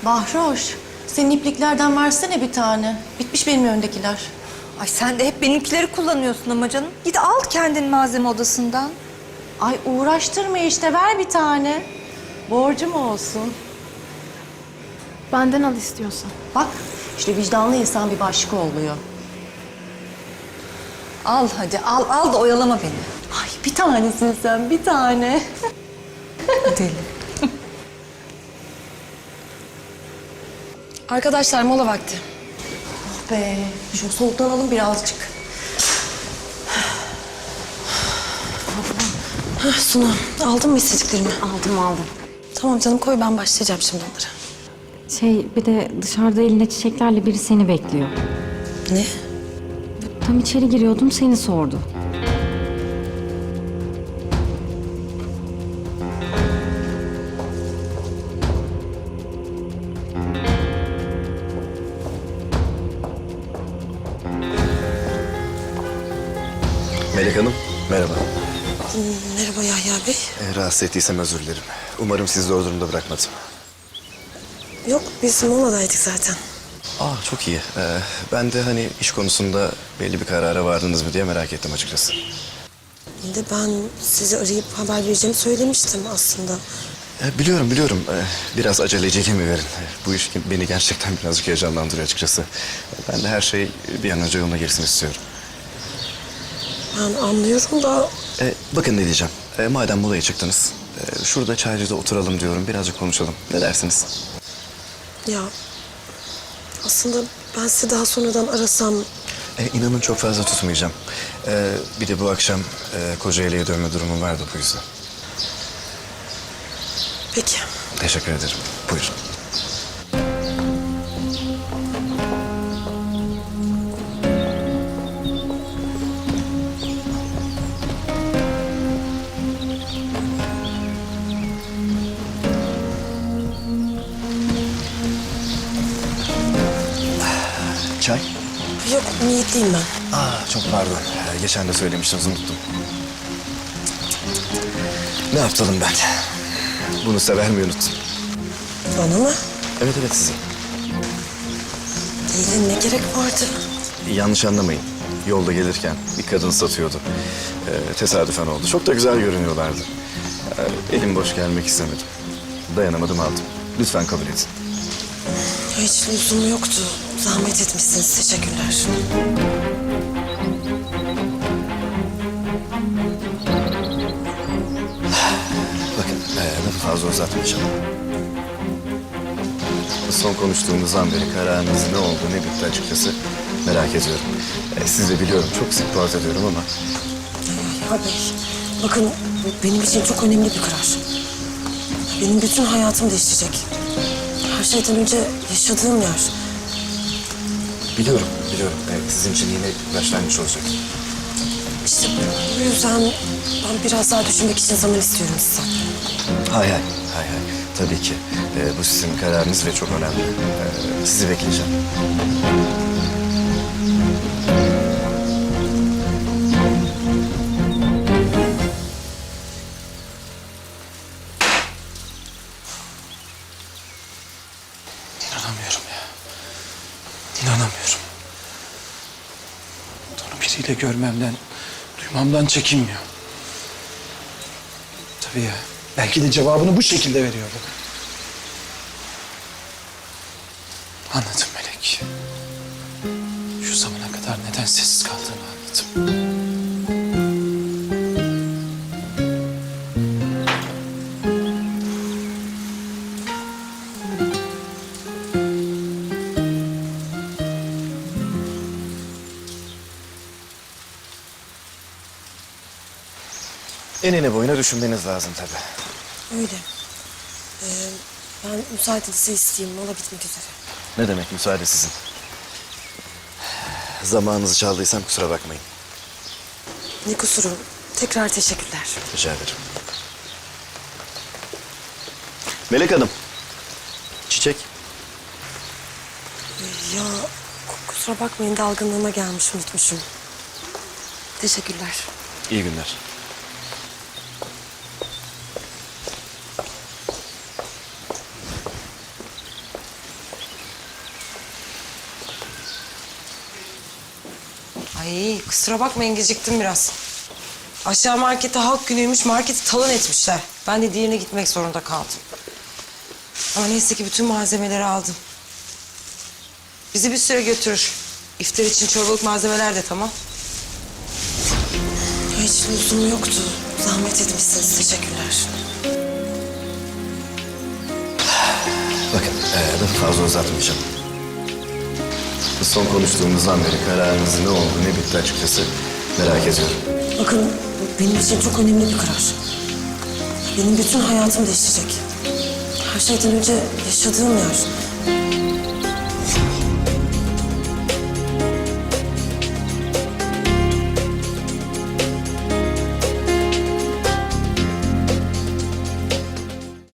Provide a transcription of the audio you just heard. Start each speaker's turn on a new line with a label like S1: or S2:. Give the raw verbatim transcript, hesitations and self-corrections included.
S1: Bahroş, senin ipliklerden versene bir tane. Bitmiş benim öndekiler.
S2: Ay sen de hep benimkileri kullanıyorsun ama canım. Git al kendin malzeme odasından.
S1: Ay uğraştırma işte, ver bir tane. Borcum olsun.
S3: Benden al istiyorsan.
S1: Bak, işte vicdanlı insan bir başka oluyor.
S2: Al hadi al al da oyalama beni.
S1: Ay bir tanesin sen, bir tane.
S2: Deli.
S4: Arkadaşlar mola vakti.
S1: Oh be, şu soluklanalım birazcık.
S4: Hah, Sunu, aldın mı istediklerimi?
S3: Aldım aldım.
S4: Tamam canım, koy, ben başlayacağım şimdi onlara.
S3: Şey bir de dışarıda elinde çiçeklerle biri seni bekliyor.
S4: Ne?
S3: Tam içeri giriyordum seni sordu.
S5: Melek Hanım, merhaba.
S4: Merhaba Yahya Bey.
S5: Ee, rahatsız ettiysem özür dilerim. Umarım sizi zor durumda bırakmadım.
S4: Yok, biz moladaydık zaten.
S5: Aa, çok iyi. Ee, ben de hani iş konusunda belli bir karara vardınız mı diye merak ettim açıkçası.
S4: Bir de ben sizi arayıp haber vereceğimi söylemiştim aslında.
S5: Ee, biliyorum, biliyorum. Ee, biraz aceleciliğimi verin. Ee, bu iş beni gerçekten birazcık heyecanlandırıyor açıkçası. Ben de her şey bir an önce yoluna girsin istiyorum.
S4: Ben anlıyorum da
S5: Ee, bakın ne diyeceğim. Ee, madem molaya çıktınız, e, şurada çaycıda oturalım diyorum. Birazcık konuşalım. Ne dersiniz?
S4: ya aslında ben sizi daha sonradan arasam
S5: E, inanın çok fazla tutmayacağım. E, bir de bu akşam e, Kocaeli'ye dönme durumum vardı bu yüzden.
S4: peki.
S5: Teşekkür ederim. Buyurun. Çay?
S4: Yok, niyetliyim ben.
S5: Aa, çok pardon. Ee, geçen de söylemiştiniz, unuttum. Ne yaptalım ben? Bunu size vermeyi unuttum.
S4: Bana mı?
S5: Evet evet size.
S4: Değil, ne gerek vardı?
S5: Yanlış anlamayın. Yolda gelirken bir kadın satıyordu. Ee, tesadüfen oldu. Çok da güzel görünüyorlardı. Ee, elim boş gelmek istemedim. Dayanamadım, aldım. Lütfen kabul edin.
S4: Hiç lüzumu yoktu. Zahmet etmişsiniz, teşekkürler.
S5: Bakın, e, lafı fazla uzatmayacağım. Son konuştuğumuzdan beri kararınız ne oldu, ne bitti açıkçası merak ediyorum. E, siz de biliyorum, çok sık boğaz ediyorum ama...
S4: Yahya Bey, bakın bu benim için çok önemli bir karar. Benim bütün hayatım değişecek. Her şeyden önce yaşadığım yer.
S5: Biliyorum, biliyorum. E, sizin için yine bir başlangıç olacak.
S4: İşte bu yüzden ben biraz daha düşünmek için zaman istiyorum sizden.
S5: Hay hay, hay hay. Tabii ki. E, bu sizin kararınız ve çok önemli. E, sizi bekleyeceğim.
S6: İnanamıyorum ya. İnanamıyorum. Onu biriyle görmemden, duymamdan çekinmiyor. Tabii ya. Belki de cevabını bu şekilde veriyordu. Anladım Melek. Şu zamana kadar neden sessiz kaldığını anladım.
S5: Enine boyuna düşünmeniz lazım tabii.
S4: Öyle. Ee, ben müsaadenizi isteyeyim. Mola bitmek üzere.
S5: Ne demek, müsaade sizin. Zamanınızı çaldıysam kusura bakmayın.
S4: Ne kusuru. Tekrar teşekkürler.
S5: Rica ederim. Melek Hanım. Çiçek.
S4: Ee, ya ku- kusura bakmayın, dalgınlığıma gelmiş, unutmuşum. Teşekkürler.
S5: İyi günler.
S4: Ay kusura bakmayın geciktim biraz. Aşağı markette halk günüymüş, marketi talan etmişler. Ben de diğerine gitmek zorunda kaldım. Ama neyse ki bütün malzemeleri aldım. Bizi bir süre götürür. İftar için çorbalık malzemeler de tamam. Hiç lüzum yoktu. Zahmet etmişsiniz, teşekkürler.
S5: Bakın ee, daha fazla uzatmayacağım. Son konuştuğumuzdan beri kararınızın ne oldu ne bitti açıkçası merak ediyorum.
S4: Bakın benim için çok önemli bir karar. Benim bütün hayatım değişecek. Her şeyden önce yaşadığım yer.